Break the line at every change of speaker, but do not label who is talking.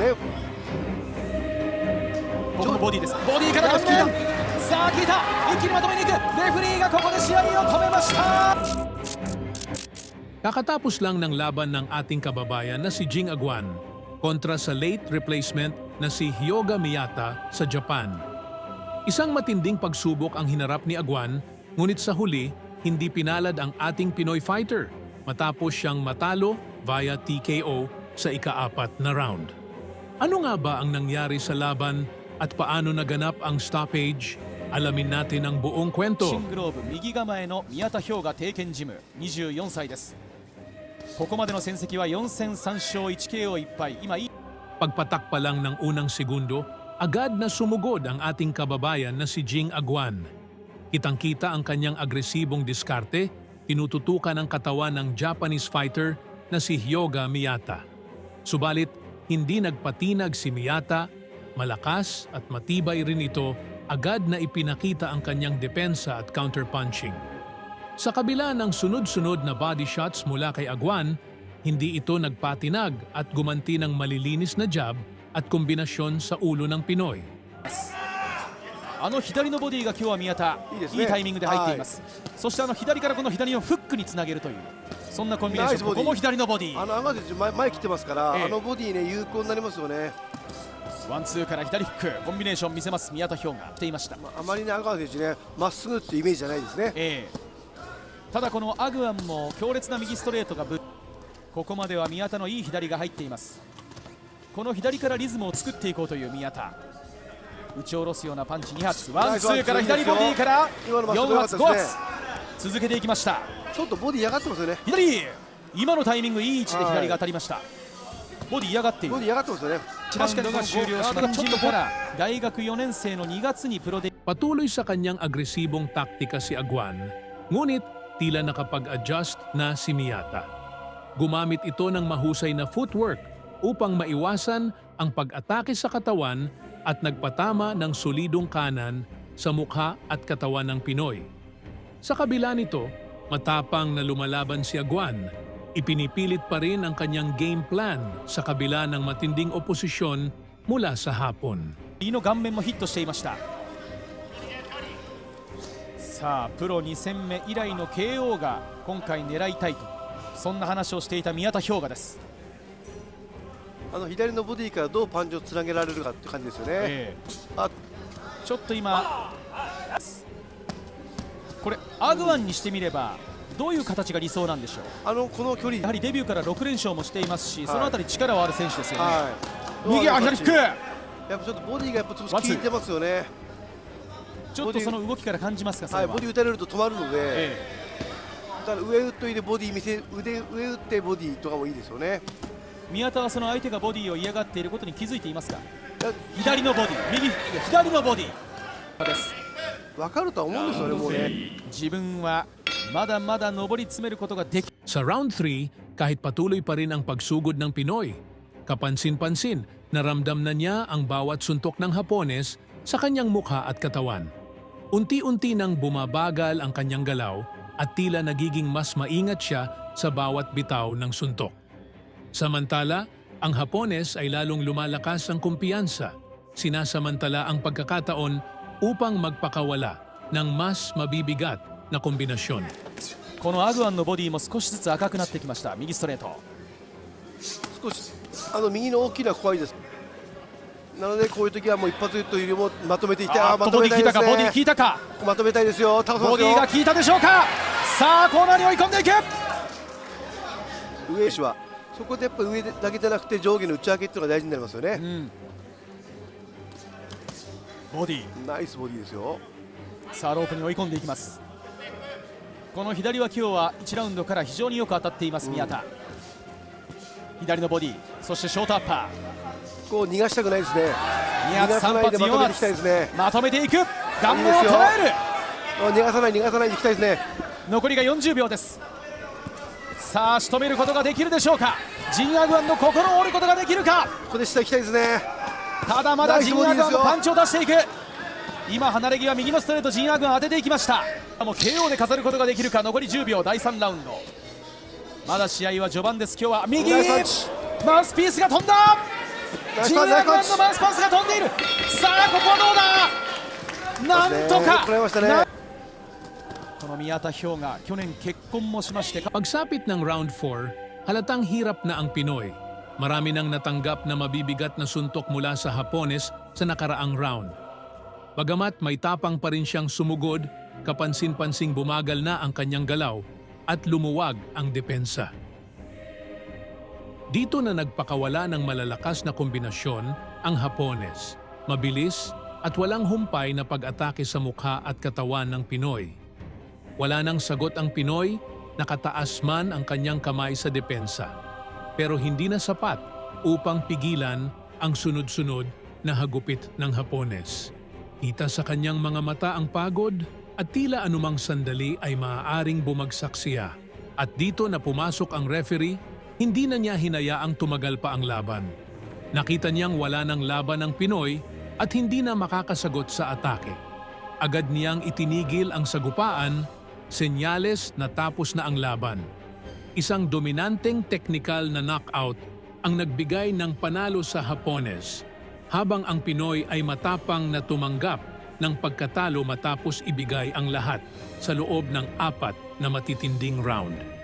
ね。
ここもボディです。ボディからのスキーだ。さあ効いた、一気にまとめにいく。レフェリーがここで試合を止めました。
Kakatapos lang ng laban ng ating kababayan na si Jing Aguan kontra sa late replacement na si Hyoga Miyata sa Japan. Isang matinding pagsubok ang hinarap ni Aguan, ngunit sa huli, hindi pinalad ang ating Pinoy fighter matapos siyang matalo via TKO sa ika-4 na round. Ano nga ba ang nangyari sa laban at paano naganap ang stoppage? Alamin natin ang buong kwento.
シングローブ右構えの宮田氷河帝拳ジム24歳です。ここまでの戦績は4戦3勝 1KO1 敗。今いい
Pagpatak pa lang ng unang segundo, agad na sumugod ang ating kababayan na si Jing Aguan. Kitang-kita ang kanyang agresibong diskarte, tinututukan ang katawan ng Japanese fighter na si Hyoga Miyata. Subalit, hindi nagpatinag si Miyata, malakas at matibay rin ito, agad na ipinakita ang kanyang depensa at counterpunching. Sa kabila ng sunod-sunod na body shots mula kay Aguan, hindi ito nagpatinag at gumanti ng malilinis na jab at kombinasyon sa ulo ng Pinoy.
あの左のボディが今日は宮田
いいですね。
いいタイミングで入っています。そして左からこの左のフックにつなげるというそんなコンビネーション。ここも左のボディ。
アガ選手前来てますから、
ええ、
あのボディね有効になりますよね。
ワンツーから左フックコンビネーション見せます宮田氷河していました。
あまりねアガ選手ねまっすぐっていうイメージじゃないですね。
ただこのアグアンも強烈な右ストレートがここまでは宮田のいい左が入っています。この左からリズムを作っていこうという宮田。打ち下ろすようなパンチ2発。ワンツーから左ボディから4発5発続けていきました。
ちょっとボディ嫌がってますよね。
左今のタイミングいい位置で左が当たりました。ボディ嫌がっている。
ボディ嫌がってますよね。
確かにが終了しました。ちょっとから大学4年生の2月にプロで
Patuloy sa kanyang agresibong taktika si Aguan, ngunit tila nakapag-adjust na si Miyata. Gumamit ito ng mahusay na footwork upang maiwasan ang pag-atake sa katawan at nagpatama ng solidong kanan sa mukha at katawan ng Pinoy. Sa kabila nito, matapang na lumalaban si Aguan, ipinipilit pa rin ang kanyang game plan sa kabila ng matinding oposisyon mula sa Hapon.
右の顔面もヒットしていました。さあプロ2戦目以来の KO が今回狙いたいとそんな話をしていた宮田氷河です。
あの左のボディからどうパンチをつなげられるかって感じですよね。
ちょっと今これアグワンにしてみればどういう形が理想なんでしょう。
この距離
やはりデビューから6連勝もしていますし、そのあたり力はある選手ですよね。
はい、
右は左フック。
やっぱちょっとボディがやっぱちょっと効いてますよね。
ちょっとその動きから感じますか。それは
ボディ打たれると止まるので、だから上打っといてボディ上打ってボディとかもいいですよね。
宮田はその相手がボディを嫌がっていることに気づいていますか。左のボディ、右フック、左のボディです。
分かるとは思うんですよね、もうね。
自分はまだまだ上り詰めることができ。
Sa round 3, kahit patuloy pa rin ang pagsugod ng Pinoy, kapansin-pansin, naramdam na niya ang bawat suntok ng Hapones sa kanyang mukha at katawan. Unti-unti nang bumabagal ang kanyang galaw at tila nagiging mas maingat siya sa bawat bitaw ng suntok. Samantala, ang Hapones ay lalong lumalakas ang kumpiyansa, sinasamantala ang pagkakataon upang magpakawala ng mas mabibigat na kombinasyon.
このアグアンのボディも少しずつ赤くなってきました。右ストレート。
少し右の大きな怖いです。なのでこういう時はもう一発というよりもまとめていって、まとめたいですね。
ボディ効いたか。
まとめたいですよ。
ボディが効いたでしょうか。さあコーナーに追い込んでいく。
上手はそこでやっぱ上だけじゃなくて上下の打ち分けっていうのが大事になりますよね。
ボディ
ナイスボディですよ。
さあロープに追い込んでいきます。この左は今日は1ラウンドから非常によく当たっています宮田。左のボディ、そしてショートアッパ
ー。こう逃がしたくないですね。
2発3発4発まとめていく。顔面を捉える。
逃がさないでいきたいですね。
残りが40秒です。さあ仕留めることができるでしょうか。ジン・アグアンの心を折ることができるか。
ここで下行きたいですね。
ただまだジン・アグアンのパンチを出していく。今離れ際右のストレートジン・アグアン当てていきました。もう KO で飾ることができるか。残り10秒第3ラウンド。まだ試合は序盤です。今日は右マウスピースが飛んだ。
ナイス
ジンアグワン
パンナイスパンチ
のマウスパンスが飛んでいる。さあここはどうだ。なんとか
よくプレーましたね。
この宮田氷河、去年結婚もしまして
Pagsapit ng round 4, halatang hirap na ang Pinoy. Marami nang natanggap na mabibigat na suntok mula sa Hapones sa nakaraang round. Bagamat may tapang pa rin siyang sumugod, kapansin-pansing bumagal na ang kanyang galaw at lumuwag ang depensa. Dito na nagpakawala ng malalakas na kombinasyon ang Hapones, mabilis at walang humpay na pag-atake sa mukha at katawan ng Pinoy. Wala nang sagot ang Pinoy, nakataas man ang kanyang kamay sa depensa. Pero hindi na sapat upang pigilan ang sunod-sunod na hagupit ng Hapones. Kita sa kanyang mga mata ang pagod at tila anumang sandali ay maaaring bumagsak siya. At dito na pumasok ang referee, hindi na niya hinayaang tumagal pa ang laban. Nakita niyang wala ng laban ang Pinoy at hindi na makakasagot sa atake. Agad niyang itinigil ang sagupaan, senyales na tapos na ang laban. Isang dominanteng technical na knockout ang nagbigay ng panalo sa Hapones, habang ang Pinoy ay matapang na tumanggap ng pagkatalo matapos ibigay ang lahat sa loob ng 4 na matitinding round.